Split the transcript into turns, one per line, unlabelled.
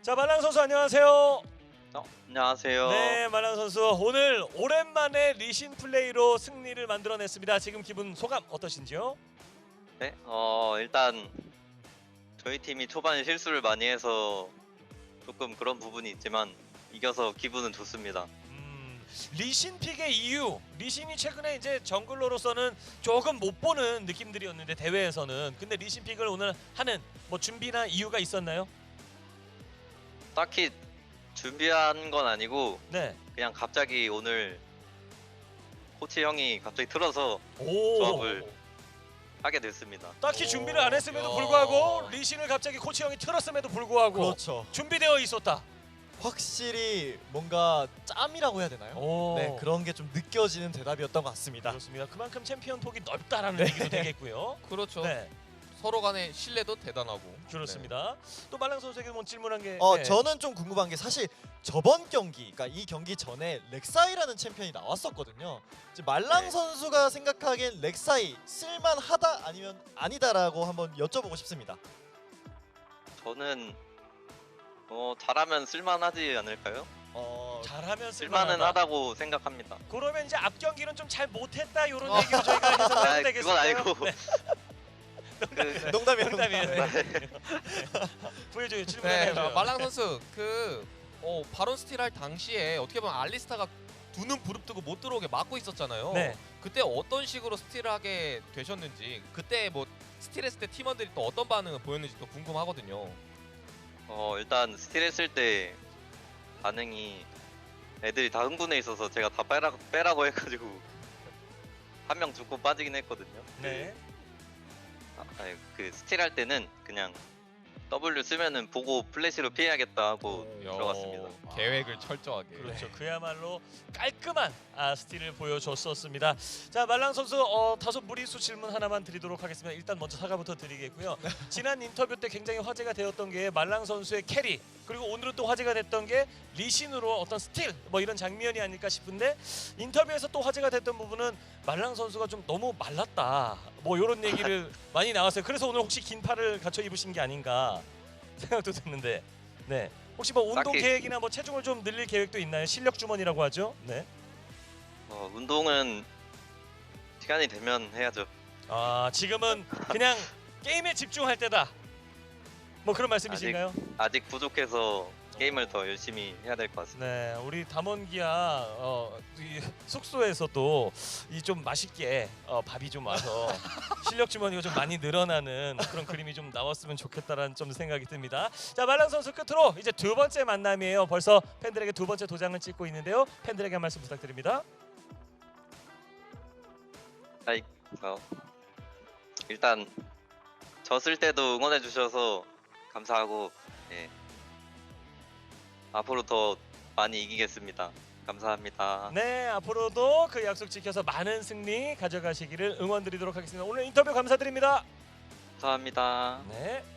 자, 말랑 선수 안녕하세요.
안녕하세요.
네, 말랑 선수 오늘 오랜만에 리신 플레이로 승리를 만들어냈습니다. 지금 기분 소감 어떠신지요?
네, 일단 저희 팀이 초반에 실수를 많이 해서 조금 그런 부분이 있지만 이겨서 기분은 좋습니다.
리신 픽의 이유, 리신이 최근에 이제 정글러로서는 조금 못 보는 느낌들이었는데 대회에서는 근데 리신 픽을 오늘 하는 뭐 준비나 이유가 있었나요?
딱히 준비한 건 아니고
네.
그냥 갑자기 오늘 코치 형이 갑자기 틀어서
오.
조합을 하게 됐습니다.
딱히 준비를 안 했음에도
야.
불구하고 리신을 갑자기 코치 형이 틀었음에도 불구하고
그렇죠.
준비되어 있었다.
확실히 뭔가 짬이라고 해야 되나요?
오.
네, 그런 게 좀 느껴지는 대답이었던 것 같습니다.
그렇습니다. 그만큼 챔피언 폭이 넓다라는
네.
얘기도 되겠고요.
그렇죠.
네,
서로 간의 신뢰도 대단하고.
그렇습니다. 또 말랑 선수에게 뭐 질문한 게 네.
저는 좀 궁금한 게 사실 저번 경기, 그러니까 이 경기 전에 렉사이라는 챔피언이 나왔었거든요. 이제 말랑
네.
선수가 생각하기엔 렉사이 쓸만하다 아니면 아니다라고 한번 여쭤보고 싶습니다.
저는 잘하면 쓸만하지 않을까요?
잘하면
쓸만은
쓸만하다.
하다고 생각합니다.
그러면 이제 앞 경기는 좀 잘 못했다 이런 얘기로 저희가 해석을
아,
해도 되겠어요.
그건 아니고
네.
그,
농담이에요.
농담이에요.
농담.
네. 보여줘요. 질문
네,
해줘요.
말랑 선수 바론 스틸 할 당시에 어떻게 보면 알리스타가 두 눈 부릅뜨고 못 들어오게 막고 있었잖아요.
네.
그때 어떤 식으로 스틸을 하게 되셨는지, 그때 뭐 스틸했을 때 팀원들이 또 어떤 반응을 보였는지 또 궁금하거든요.
일단 스틸 했을 때 반응이 애들이 다 흥분해 있어서 제가 다 빼라고 해가지고 한 명 죽고 빠지긴 했거든요.
네.
그 스틸 할 때는 그냥 W 쓰면은 보고 플래시로 피해야겠다 하고 들어갔습니다.
계획을 철저하게.
그렇죠. 그야말로 깔끔한 스틸을 보여줬었습니다. 자, 말랑 선수 다소 무리수 질문 하나만 드리도록 하겠습니다. 일단 먼저 사과부터 드리겠고요. 지난 인터뷰 때 굉장히 화제가 되었던 게 말랑 선수의 캐리, 그리고 오늘은 또 화제가 됐던 게 리신으로 어떤 스틸 뭐 이런 장면이 아닐까 싶은데 인터뷰에서 또 화제가 됐던 부분은 말랑 선수가 좀 너무 말랐다 뭐 이런 얘기를 많이 나왔어요. 그래서 오늘 혹시 긴 팔을 갖춰 입으신 게 아닌가 생각도 드는데 네. 혹시 뭐 운동
딱히-
계획이나 뭐 체중을 좀 늘릴 계획도 있나요? 실력 주머니라고 하죠. 네.
운동은 시간이 되면 해야죠.
지금은 그냥 게임에 집중할 때다. 뭐 그런 말씀이신가요?
아직 부족해서 게임을 더 열심히 해야 될 것 같습니다.
네, 우리 담원기야 이 숙소에서도 이 좀 맛있게 밥이 좀 와서 실력 주머니가 좀 많이 늘어나는 그런 그림이 좀 나왔으면 좋겠다라는 좀 생각이 듭니다. 자, 말랑 선수 끝으로 이제 두 번째 만남이에요. 벌써 팬들에게 두 번째 도장을 찍고 있는데요. 팬들에게 한 말씀 부탁드립니다.
일단 졌을 때도 응원해 주셔서 감사하고 앞으로 더 많이 이기겠습니다. 감사합니다.
네, 앞으로도 그 약속 지켜서 많은 승리 가져가시기를 응원드리도록 하겠습니다. 오늘 인터뷰 감사드립니다.
감사합니다.
네.